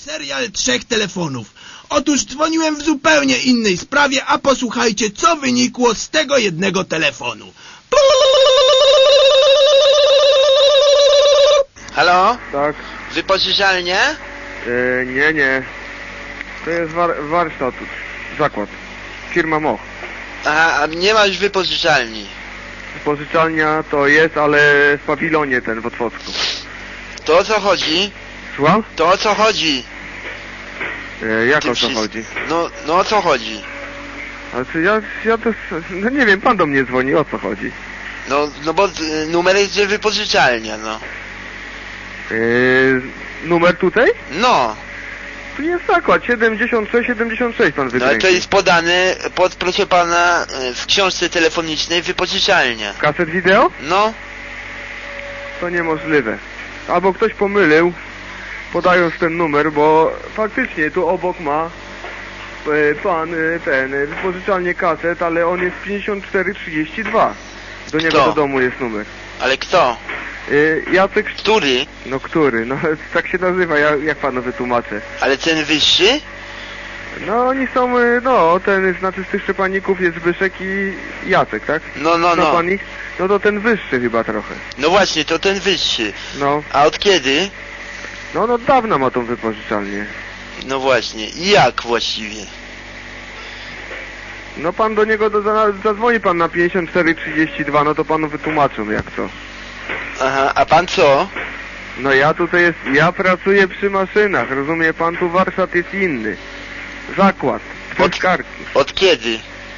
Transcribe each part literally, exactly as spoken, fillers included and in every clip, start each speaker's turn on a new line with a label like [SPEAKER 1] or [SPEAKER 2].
[SPEAKER 1] Serial trzech telefonów. Otóż dzwoniłem w zupełnie innej sprawie, a posłuchajcie, co wynikło z tego jednego telefonu.
[SPEAKER 2] Halo?
[SPEAKER 3] Tak.
[SPEAKER 2] Wypożyczalnia?
[SPEAKER 3] E, nie, nie. To jest war warsztat, zakład. Firma Moch.
[SPEAKER 2] Aha, a nie ma już wypożyczalni.
[SPEAKER 3] Pożyczalnia to jest, ale w pawilonie ten w Otwocku.
[SPEAKER 2] To o co chodzi?
[SPEAKER 3] Słucham?
[SPEAKER 2] To o co chodzi?
[SPEAKER 3] E, jak
[SPEAKER 2] Ty
[SPEAKER 3] o co
[SPEAKER 2] wszys-
[SPEAKER 3] chodzi?
[SPEAKER 2] No, no o co chodzi?
[SPEAKER 3] Ale czy ja, ja to... No nie wiem, pan do mnie dzwoni, o co chodzi?
[SPEAKER 2] No, no bo y, numer jest, że wypożyczalnia, no.
[SPEAKER 3] E, numer tutaj?
[SPEAKER 2] No,
[SPEAKER 3] Tu jest zakład, siedemdziesiąt sześć siedemdziesiąt sześć pan
[SPEAKER 2] no ale
[SPEAKER 3] wykręcił.
[SPEAKER 2] to jest podane pod, proszę pana, y, w książce telefonicznej wypożyczalnia.
[SPEAKER 3] Kaset wideo?
[SPEAKER 2] No,
[SPEAKER 3] To niemożliwe. Albo ktoś pomylił, podając ten numer, bo faktycznie tu obok ma e, pan e, ten e, wypożyczalnię kaset, ale on jest pięćdziesiąt cztery trzydzieści dwa. Do niego
[SPEAKER 2] Kto?
[SPEAKER 3] do domu jest numer.
[SPEAKER 2] ale kto?
[SPEAKER 3] E, Jacek...
[SPEAKER 2] Który?
[SPEAKER 3] No który? No tak się nazywa, ja, jak panu wytłumaczę.
[SPEAKER 2] Ale ten wyższy?
[SPEAKER 3] No oni są, e, no ten, znaczy z tych szczepaników jest Zbyszek i Jacek, tak?
[SPEAKER 2] No, no,
[SPEAKER 3] Zna
[SPEAKER 2] no.
[SPEAKER 3] pan ich? No to ten wyższy chyba trochę.
[SPEAKER 2] No właśnie, to ten wyższy.
[SPEAKER 3] No,
[SPEAKER 2] A od kiedy?
[SPEAKER 3] no, no dawno ma tą wypożyczalnię.
[SPEAKER 2] No właśnie, i jak właściwie?
[SPEAKER 3] No pan do niego do, za, zadzwoni pan na pięćdziesiąt cztery trzydzieści dwa, no to panu wytłumaczą jak to.
[SPEAKER 2] Aha, a pan co?
[SPEAKER 3] No ja tutaj jest, ja pracuję przy maszynach, rozumie pan, tu warsztat jest inny. Zakład, tkankarki.
[SPEAKER 2] Od kiedy?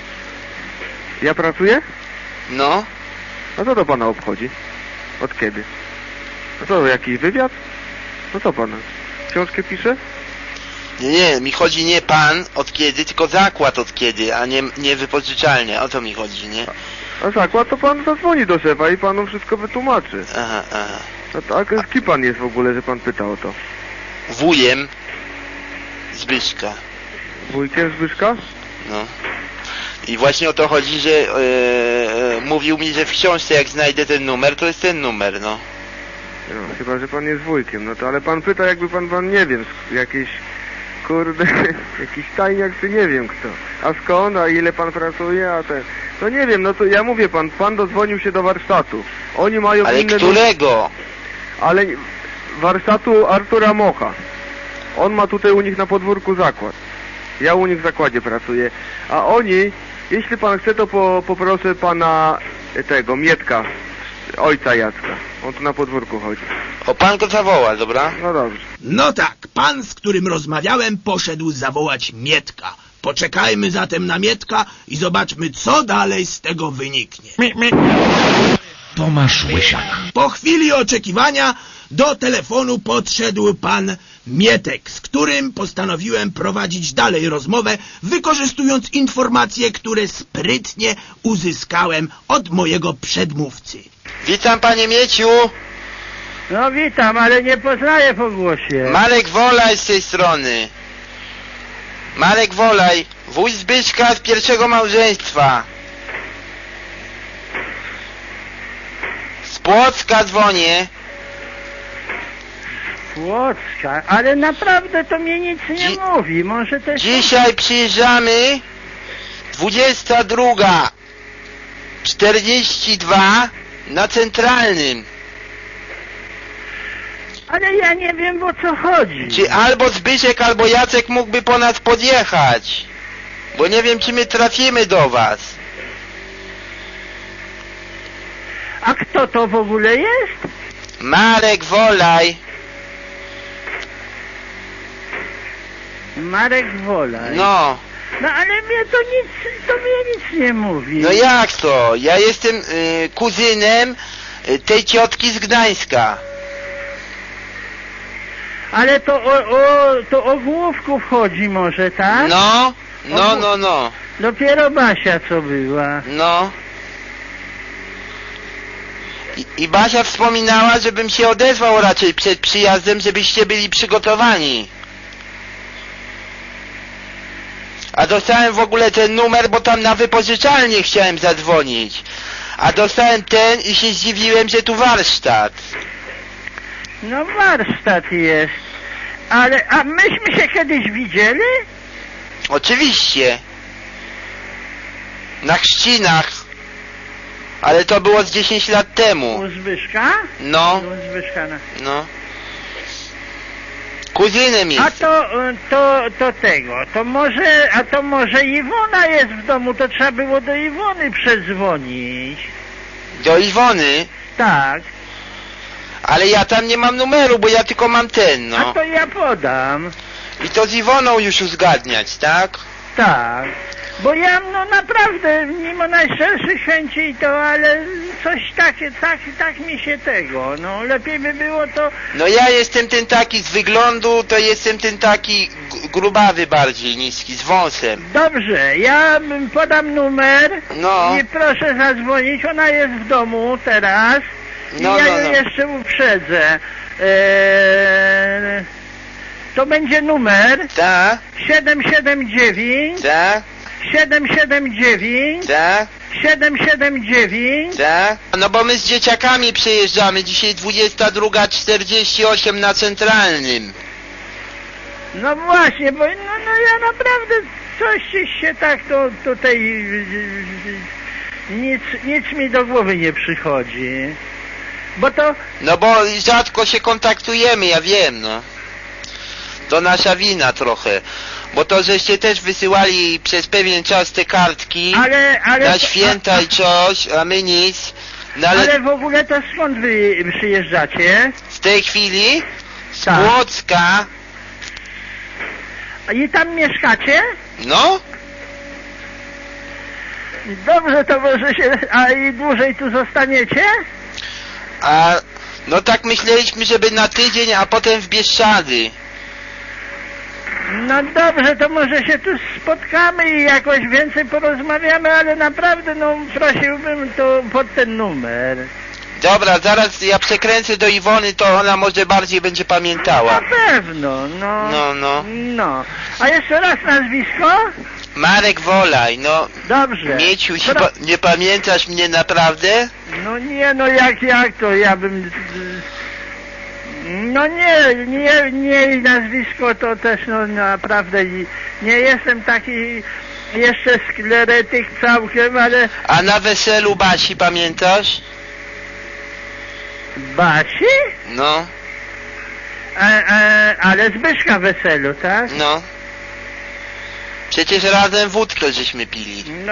[SPEAKER 3] Ja pracuję?
[SPEAKER 2] No?
[SPEAKER 3] No co to pana obchodzi? Od kiedy? No co, jakiś wywiad? No co pana? Książkę pisze?
[SPEAKER 2] Nie, nie, mi chodzi nie pan od kiedy, tylko zakład od kiedy, a nie, nie wypożyczalnia. O to mi chodzi, nie?
[SPEAKER 3] A zakład to pan zadzwoni do szefa i panu wszystko wytłumaczy.
[SPEAKER 2] Aha, aha.
[SPEAKER 3] No tak, z kim pan jest w ogóle, że pan pyta o to?
[SPEAKER 2] Wujem Zbyszka.
[SPEAKER 3] Wujkiem Zbyszka?
[SPEAKER 2] No. I właśnie o to chodzi, że e, e, mówił mi, że w książce jak znajdę ten numer, to jest ten numer, no.
[SPEAKER 3] No, chyba, że pan jest wujkiem, no to ale pan pyta, jakby pan, pan nie wiem, sk- jakieś, kurde, jakiś tajniak, czy nie wiem kto. A skąd, a ile pan pracuje, a ten... No nie wiem, no to ja mówię pan, pan dozwonił się do warsztatu. Oni mają
[SPEAKER 2] Ale
[SPEAKER 3] inne...
[SPEAKER 2] którego?
[SPEAKER 3] Ale warsztatu Artura Mocha. On ma tutaj u nich na podwórku zakład. Ja u nich w zakładzie pracuję. A oni, jeśli pan chce, to po, poproszę pana e, tego, Mietka, ojca Jacka. On tu na podwórku chodzi.
[SPEAKER 2] O, pan go zawoła, dobra?
[SPEAKER 3] No dobrze.
[SPEAKER 1] No tak, pan, z którym rozmawiałem, poszedł zawołać Mietka. Poczekajmy zatem na Mietka i zobaczmy, co dalej z tego wyniknie.
[SPEAKER 4] Tomasz Łysiak.
[SPEAKER 1] Po chwili oczekiwania do telefonu podszedł pan Mietek, z którym postanowiłem prowadzić dalej rozmowę, wykorzystując informacje, które sprytnie uzyskałem od mojego przedmówcy.
[SPEAKER 2] Witam, panie Mieciu.
[SPEAKER 5] No witam, ale nie poznaję po głosie.
[SPEAKER 2] Marek Wolaj z tej strony. Marek Wolaj, wuj Zbyszka z pierwszego małżeństwa. Z Płocka dzwonię.
[SPEAKER 5] Płocka, ale naprawdę to mnie nic nie
[SPEAKER 2] Dzi-
[SPEAKER 5] mówi. Może też...
[SPEAKER 2] Dzisiaj przyjeżdżamy dwudziesta druga czterdzieści dwa na Centralnym.
[SPEAKER 5] Ale ja nie wiem, o co chodzi.
[SPEAKER 2] Czy albo Zbyszek, albo Jacek mógłby po nas podjechać? Bo nie wiem, czy my trafimy do was.
[SPEAKER 5] A kto to w ogóle jest?
[SPEAKER 2] Marek Wolaj.
[SPEAKER 5] Marek Wolaj.
[SPEAKER 2] No.
[SPEAKER 5] No ale mnie to nic, to mnie nic nie mówi.
[SPEAKER 2] No jak to? Ja jestem y, kuzynem y, tej ciotki z Gdańska.
[SPEAKER 5] Ale to o, o, to o Główków chodzi może, tak?
[SPEAKER 2] No, no, no, no.
[SPEAKER 5] Dopiero Basia co była.
[SPEAKER 2] No. I, I Basia wspominała, żebym się odezwał raczej przed przyjazdem, żebyście byli przygotowani. A dostałem w ogóle ten numer, bo tam na wypożyczalnię chciałem zadzwonić. A dostałem ten i się zdziwiłem, że tu warsztat.
[SPEAKER 5] No warsztat jest. Ale, a myśmy się kiedyś widzieli?
[SPEAKER 2] Oczywiście. Na chrzcinach. Ale to było z dziesięć lat temu.
[SPEAKER 5] U Zbyszka?
[SPEAKER 2] No,
[SPEAKER 5] U Zbyszka, no.
[SPEAKER 2] no. Kuzynem
[SPEAKER 5] A
[SPEAKER 2] jest.
[SPEAKER 5] to, y, to, to tego, to może, a to może Iwona jest w domu, to trzeba było do Iwony przedzwonić.
[SPEAKER 2] Do Iwony.
[SPEAKER 5] Tak,
[SPEAKER 2] Ale ja tam nie mam numeru, bo ja tylko mam ten,
[SPEAKER 5] a
[SPEAKER 2] no.
[SPEAKER 5] to ja podam.
[SPEAKER 2] I to z Iwoną już uzgadniać, tak?
[SPEAKER 5] Tak, bo ja no naprawdę, mimo najszczerszych chęci to, ale coś takie, tak, tak mi się tego, no lepiej by było to,
[SPEAKER 2] No ja jestem ten taki z wyglądu, to jestem ten taki g- grubawy bardziej, niski, z wąsem.
[SPEAKER 5] dobrze, ja bym podam numer
[SPEAKER 2] No.
[SPEAKER 5] i proszę zadzwonić, ona jest w domu teraz i
[SPEAKER 2] No,
[SPEAKER 5] ja
[SPEAKER 2] no,
[SPEAKER 5] ją
[SPEAKER 2] no.
[SPEAKER 5] jeszcze uprzedzę. Eee, to będzie numer
[SPEAKER 2] Tak,
[SPEAKER 5] siedem siedem dziewięć,
[SPEAKER 2] tak,
[SPEAKER 5] siedem siedem dziewięć,
[SPEAKER 2] tak,
[SPEAKER 5] siedem siedem dziewięć.
[SPEAKER 2] tak. No bo my z dzieciakami przyjeżdżamy, dzisiaj dwudziesta druga czterdzieści osiem na Centralnym.
[SPEAKER 5] No właśnie, bo no, no ja naprawdę coś się tak to tutaj nic, nic mi do głowy nie przychodzi. Bo to
[SPEAKER 2] No bo rzadko się kontaktujemy, ja wiem, no. To nasza wina trochę. Bo to żeście też wysyłali przez pewien czas te kartki
[SPEAKER 5] ale, ale
[SPEAKER 2] na święta i coś, a my nic. No ale,
[SPEAKER 5] ale w ogóle to skąd wy przyjeżdżacie?
[SPEAKER 2] w tej chwili z
[SPEAKER 5] Tak.
[SPEAKER 2] Płocka,
[SPEAKER 5] I tam mieszkacie?
[SPEAKER 2] no,
[SPEAKER 5] Dobrze, to może się, a i dłużej tu zostaniecie?
[SPEAKER 2] a no tak myśleliśmy, żeby na tydzień, a potem w Bieszczady.
[SPEAKER 5] No dobrze, to może się tu spotkamy i jakoś więcej porozmawiamy, ale naprawdę no prosiłbym to pod ten numer.
[SPEAKER 2] Dobra, zaraz ja przekręcę do Iwony, to ona może bardziej będzie pamiętała.
[SPEAKER 5] Na pewno, no.
[SPEAKER 2] No, no.
[SPEAKER 5] No. A jeszcze raz nazwisko?
[SPEAKER 2] Marek Wolaj, no,
[SPEAKER 5] Dobrze.
[SPEAKER 2] Mieciu, się
[SPEAKER 5] Pro-
[SPEAKER 2] pa- nie pamiętasz mnie naprawdę?
[SPEAKER 5] No nie, no jak, jak to, ja bym... No nie, nie, nie nazwisko to też no naprawdę nie, nie jestem taki jeszcze skleretyk całkiem, ale...
[SPEAKER 2] A na weselu Basi pamiętasz?
[SPEAKER 5] Basi?
[SPEAKER 2] No,
[SPEAKER 5] A, a, ale Zbyszka weselu, tak?
[SPEAKER 2] no. Przecież razem wódkę żeśmy pili.
[SPEAKER 5] No,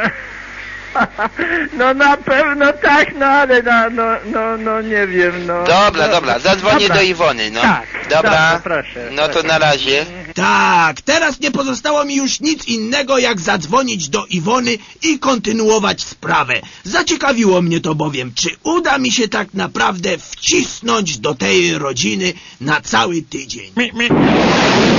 [SPEAKER 5] no na pewno tak, no ale no, no, no, no nie wiem, no.
[SPEAKER 2] Dobra,
[SPEAKER 5] no,
[SPEAKER 2] dobra, zadzwonię
[SPEAKER 5] dobra.
[SPEAKER 2] do Iwony, no.
[SPEAKER 5] Tak,
[SPEAKER 2] Dobra,
[SPEAKER 5] dobrze, proszę,
[SPEAKER 2] no to
[SPEAKER 5] proszę.
[SPEAKER 2] na razie.
[SPEAKER 1] Tak, teraz nie pozostało mi już nic innego, jak zadzwonić do Iwony i kontynuować sprawę. Zaciekawiło mnie to bowiem, czy uda mi się tak naprawdę wcisnąć do tej rodziny na cały tydzień.
[SPEAKER 5] Mi, mi.